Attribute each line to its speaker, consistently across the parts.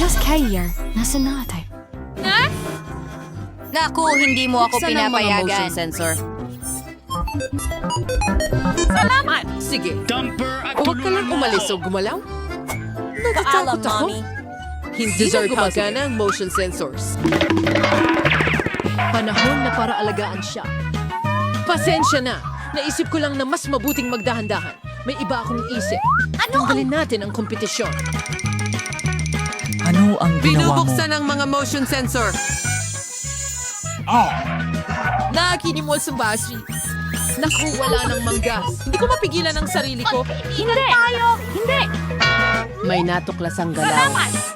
Speaker 1: Buzz Kaier, nasa na tayo?
Speaker 2: Naku, hindi mo ako
Speaker 3: Buksan ang mga motion
Speaker 2: pinapayagan.
Speaker 3: sensor.
Speaker 4: Salamat!
Speaker 3: Sige,
Speaker 5: Dumper at
Speaker 3: huwag ka lang
Speaker 5: tulungan mo
Speaker 3: umalis o
Speaker 5: ako.
Speaker 3: gumalaw.
Speaker 4: Paalam,
Speaker 3: Natatakot ako.
Speaker 4: Mommy.
Speaker 3: Hindi na gumagana ang motion sensors. Panahon na para alagaan siya. Pasensya na. Naisip ko lang na mas mabuting magdahan-dahan. May iba akong isip. Tanggalin natin ang kompetisyon.
Speaker 6: Ano ang ginawa mo?
Speaker 3: Binubuksan ang mga motion sensor. Nakinimol sa battery. Naku, wala ng manggas. Hindi ko mapigilan ang sarili ko.
Speaker 4: Hindi! Tayo! Hindi!
Speaker 3: May natuklas ang galaw.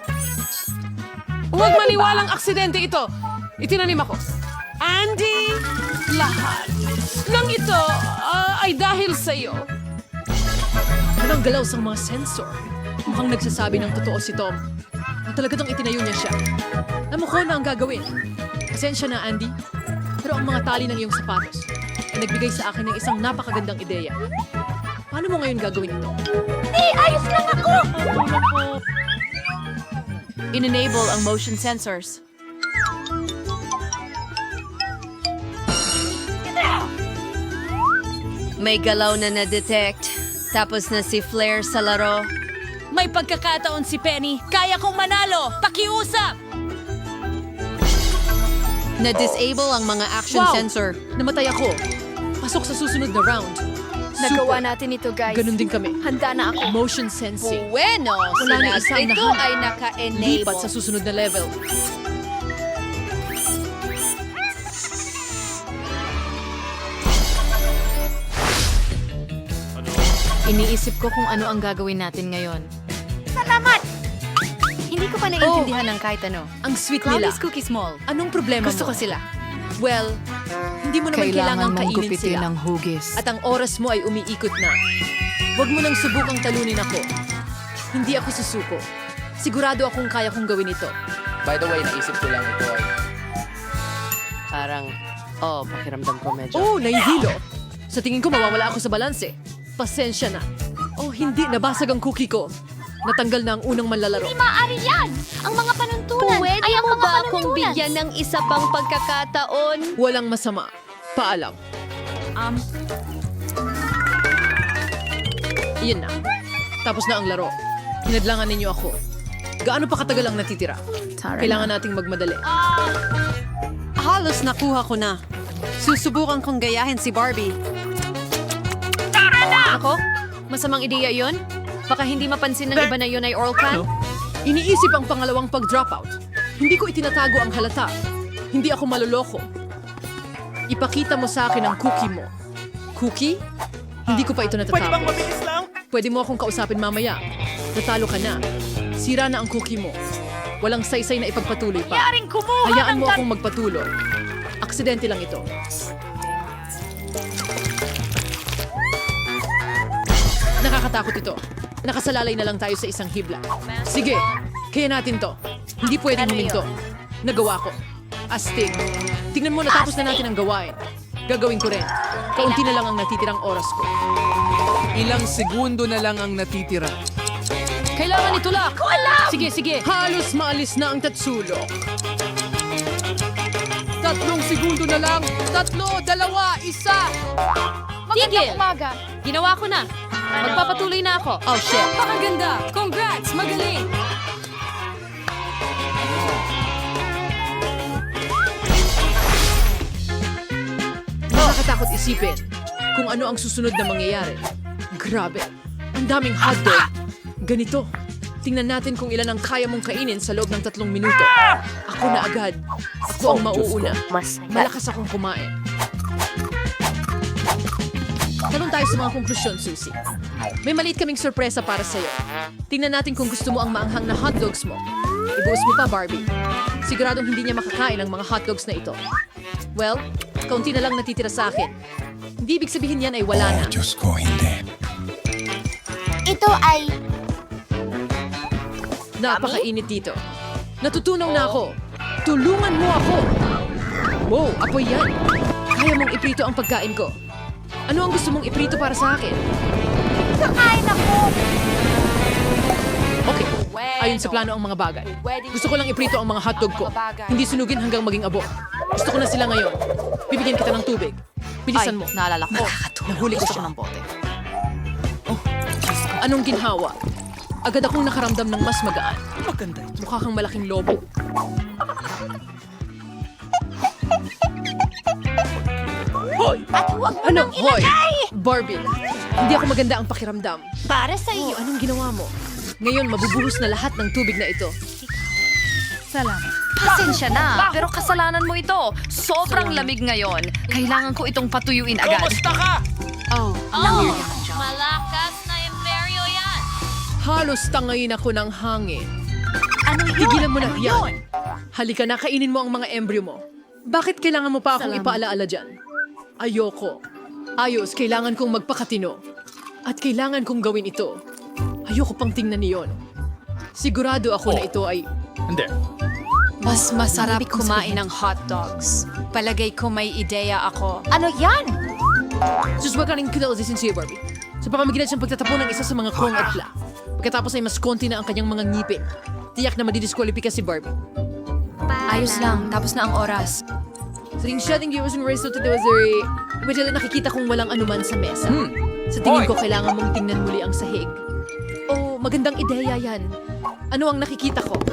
Speaker 3: Huwag maniwalang aksidente ito. Itinanim ako. Andy, lahat ng ito ay dahil sa iyo. Anong galaw sa mga sensor? Mukhang nagsasabi ng totoo si Tom. Na talagang itinayo niya siya. Alam ko na ang gagawin. Pasensya na, Andy. Pero ang mga tali ng iyong sapatos ay nagbigay sa akin ng isang napakagandang ideya. Paano mo ngayon gagawin ito?
Speaker 4: Ayos lang ako!
Speaker 2: In-enable ang motion sensors. May galaw na na-detect. Tapos na si Flair sa laro.
Speaker 4: May pagkakataon si Penny. Kaya kong manalo! Pakiusap!
Speaker 2: Na-disable ang mga action
Speaker 3: Wow!
Speaker 2: sensor.
Speaker 3: Namatay ako. Pasok sa susunod na round.
Speaker 1: Nagawa natin ito, guys.
Speaker 3: Ganun din kami.
Speaker 1: Handa na ako.
Speaker 3: Motion sensing.
Speaker 2: Bueno,
Speaker 3: Wala na
Speaker 2: Sinag.
Speaker 3: isang
Speaker 2: Ito
Speaker 3: nahan.
Speaker 2: ay naka-enable.
Speaker 3: Lipat sa susunod na level.
Speaker 2: Iniisip ko kung ano ang gagawin natin ngayon.
Speaker 1: Hindi ko pa naiintindihan ng kahit ano.
Speaker 3: Ang sweet nila.
Speaker 2: Promise Cookie Small.
Speaker 3: Anong problema
Speaker 2: Gusto
Speaker 3: mo?
Speaker 2: ko sila.
Speaker 3: Well, hindi mo naman kailangang kainin sila.
Speaker 2: hugis.
Speaker 3: At ang oras mo ay umiikot na. Huwag mo nang subukang talunin ako. Hindi ako susuko. Sigurado akong kaya kong gawin ito.
Speaker 6: By the way, naisip ko lang ito ay...
Speaker 2: Parang, pakiramdam ko medyo.
Speaker 3: Oh, nahihilo. Sa tingin ko mawawala ako sa balanse. Pasensya na. Oh, hindi. Nabasag ang cookie ko. Natanggal na ang unang manlalaro.
Speaker 1: Maaari yan! Ang mga panuntunan
Speaker 7: Pwede
Speaker 1: ay ang
Speaker 7: mo
Speaker 1: mga
Speaker 7: ba akong
Speaker 1: panuntunan.
Speaker 7: bigyan ng isa pang pagkakataon?
Speaker 3: Walang masama. Paalam. Iyan na. Tapos na ang laro. Hinadlangan ninyo ako. Gaano pa katagal ang natitira? Kailangan nating magmadali.
Speaker 2: Halos nakuha ko na. Susubukan kong gayahin si Barbie.
Speaker 7: Ako? Masamang ideya yon? Baka hindi mapansin ng iba na yun ay oral can?
Speaker 3: Iniisip ang pangalawang pag-dropout. Hindi ko itinatago ang halata. Hindi ako maluloko. Ipakita mo sa akin ang cookie mo. Cookie? Hindi ko pa ito natatapos.
Speaker 5: Pwede bang mabilis lang?
Speaker 3: Pwede mo akong kausapin mamaya. Natalo ka na. Sira na ang cookie mo. Walang saysay na ipagpatuloy pa.
Speaker 4: Yaring kumuha
Speaker 3: Hayaan
Speaker 4: ng
Speaker 3: mo akong magpatuloy. Aksidente lang ito. Nakakatakot ito. Nakasalalay na lang tayo sa isang hibla. Sige, kaya natin to. Hindi pwedeng huminto. Nagawa ko. Astig. Tingnan mo, natapos na natin ang gawain. Gagawin ko rin. Kaunti na lang ang natitirang oras ko.
Speaker 8: Ilang segundo na lang ang natitira.
Speaker 3: Kailangan itulak! Sige, sige. Halos maalis na ang tatsulok. 3 segundo na lang. 3, 2, 1.
Speaker 7: Tigil!
Speaker 1: Umaga.
Speaker 7: Ginawa ko na. Magpapatuloy na ako.
Speaker 2: Oh, shit.
Speaker 4: Napakaganda! Congrats! Magaling!
Speaker 3: Nakakatakot isipin kung ano ang susunod na mangyayari. Grabe, ang daming hotdog. Ganito, tingnan natin kung ilan ang kaya mong kainin sa loob ng 3 minuto. Ako na agad. Ako ang mauuna. Malakas akong kumain. Tanong tayo sa mga konklusyon, Susie. May maliit kaming sorpresa para sa'yo. Tingnan natin kung gusto mo ang maanghang na hotdogs mo. Ibuhos mo pa, Barbie. Siguradong hindi niya makakain ang mga hotdogs na ito. Well, kaunti na lang natitira sa akin. Hindi ibig sabihin yan ay wala na.
Speaker 5: Diyos ko, hindi.
Speaker 1: Ito ay...
Speaker 3: Napakainit dito. Natutunaw na ako. Tulungan mo ako! Wow, apoy yan. Kaya mong iprito ang pagkain ko. Ano ang gusto mong iprito para sa akin?
Speaker 1: Kakain ako!
Speaker 3: Okay, Ayon sa plano ang mga bagay. Gusto ko lang iprito ang mga hotdog ko. Hindi sunugin hanggang maging abo. Gusto ko na sila ngayon. Bibigyan kita ng tubig. Bilisan mo.
Speaker 4: Naalala ko.
Speaker 3: Nahuli ko siya.
Speaker 4: ng bote.
Speaker 3: Anong ginhawa? Agad akong nakaramdam ng mas magaan. Mukha kang malaking lobo. Ano? Hoy! Barbie, hindi ako maganda ang pakiramdam.
Speaker 1: Para sa iyo.
Speaker 3: Anong ginawa mo? Ngayon, mabubuhos na lahat ng tubig na ito.
Speaker 4: Pasensya na, pero kasalanan mo ito. Sobrang lamig ngayon. Kailangan ko itong patuyuin agad.
Speaker 1: Malakas na imperyo yan.
Speaker 3: Halos tangayin ako ng hangin.
Speaker 1: Ano yun?
Speaker 3: Tigilan mo na yan. Halika na, kainin mo ang mga embryo mo. Bakit kailangan mo pa akong ipaalaala dyan? Ayoko. Ayos, kailangan kong magpakatino. At kailangan kong gawin ito. Ayoko pang tingnan niyon. Sigurado ako na ito ay...
Speaker 2: Mas masarap kumain ng hot dogs. Palagay ko may ideya ako.
Speaker 1: Ano yan?
Speaker 3: Sus, wag ka rin kilalasin siya, Barbie. Sa pamamagitan siyang pagtatapon ng isa sa mga kong at pla. Pagkatapos ay mas konti na ang kanyang mga ngipin. Tiyak na madidiskwalipika si Barbie.
Speaker 4: Ayos lang, tapos na ang oras.
Speaker 3: Sa ring shutting viewers and race to the delivery, medyo nakikita kong walang anuman sa mesa. Sa tingin ko, kailangan mong tingnan muli ang sahig. Oh, magandang ideya yan. Ano ang nakikita ko?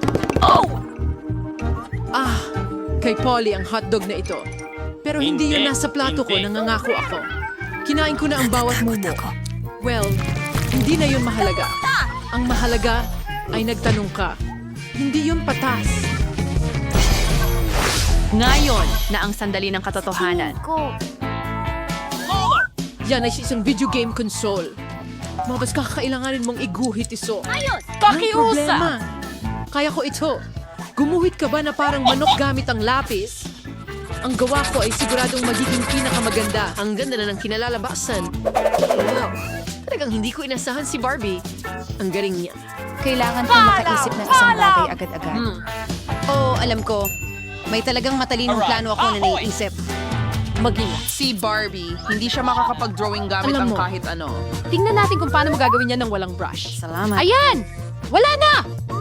Speaker 3: Ah, kay Polly ang hotdog na ito. Pero hindi yun nasa plato ko, nangangako ako. Kinain ko na ang bawat mumo. Well, hindi na yun mahalaga. Ang mahalaga ay nagtanong ka. Hindi yun patas.
Speaker 7: Ngayon na ang sandali ng katotohanan.
Speaker 3: Yan ay isang video game console. Mabas kakailanganin mong iguhit iso.
Speaker 7: Pakiusa!
Speaker 3: Problema. Kaya ko ito. Gumuhit ka ba na parang manok gamit ang lapis? Ang gawa ko ay siguradong magiging pinakamaganda. Ang ganda na ng kinalalabasan. Wow, talagang hindi ko inasahan si Barbie. Ang galing niya.
Speaker 4: Kailangan kong makaisip ng isang bagay agad-agad.
Speaker 2: Oo, alam ko. May talagang matalinong plano ako na naiisip.
Speaker 3: Mag-ingat.
Speaker 6: Si Barbie, hindi siya makakapag-drawing gamit
Speaker 3: Alam
Speaker 6: ang
Speaker 3: mo.
Speaker 6: kahit ano.
Speaker 7: Tingnan natin kung paano magagawin yan ng walang brush.
Speaker 4: Salamat.
Speaker 7: Ayan! Wala na!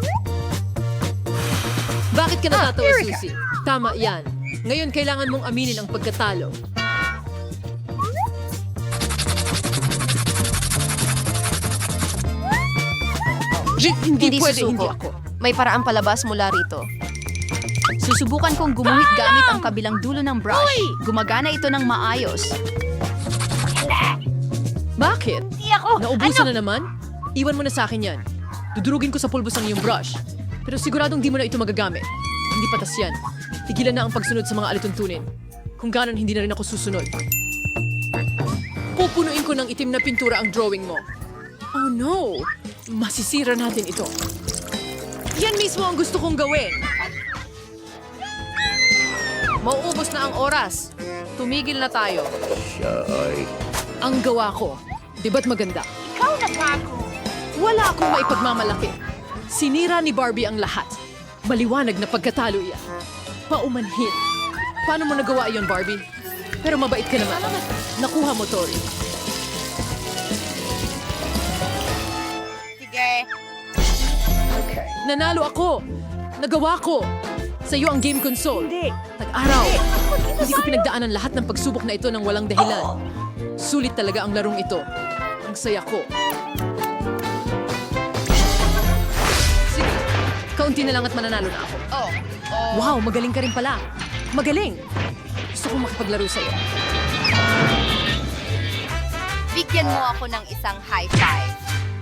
Speaker 3: Bakit ka natatawa, Susie? Tama yan. Ngayon, kailangan mong aminin ang pagkatalo. Hindi pwede,
Speaker 1: susuko.
Speaker 3: hindi ako.
Speaker 1: May paraang palabas mula rito. Susubukan kong gumuhit gamit ang kabilang dulo ng brush. Gumagana ito ng maayos.
Speaker 3: Bakit?
Speaker 1: Di ako!
Speaker 3: Naubusan na naman? Iwan mo na sa akin yan. Dudurugin ko sa pulbos ang iyong brush. Pero siguradong di mo na ito magagamit. Hindi patas yan. Tigilan na ang pagsunod sa mga alituntunin. Kung ganon, hindi na rin ako susunod. Pupunuin ko ng itim na pintura ang drawing mo. Oh no! Masisira natin ito. Yan mismo ang gusto kong gawin. Mauubos na ang oras. Tumigil na tayo. Ang gawa ko. Di ba't maganda?
Speaker 1: Ikaw na ako!
Speaker 3: Wala akong maipagmamalaki. Sinira ni Barbie ang lahat. Maliwanag na pagkatalo iyan. Paumanhin. Paano mo nagawa iyon, Barbie? Pero mabait ka naman. Nakuha mo, Tori.
Speaker 1: Sige.
Speaker 3: Nanalo ako. Nagawa ko. Sa iyo ang game console. Hindi. Tag-araw. Hindi ko pinagdaanan lahat ng pagsubok na ito ng walang dahilan. Sulit talaga ang larong ito. Ang saya ko. Sige. Kaunti na lang at mananalo na ako. Wow, magaling ka rin pala. Magaling. Gusto kong makipaglaro sa'yo.
Speaker 1: Bigyan mo ako ng isang high five.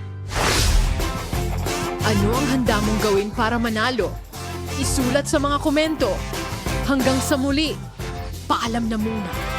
Speaker 3: Ano ang handa mong gawin para manalo? Isulat sa mga komento. Hanggang sa muli, paalam na muna.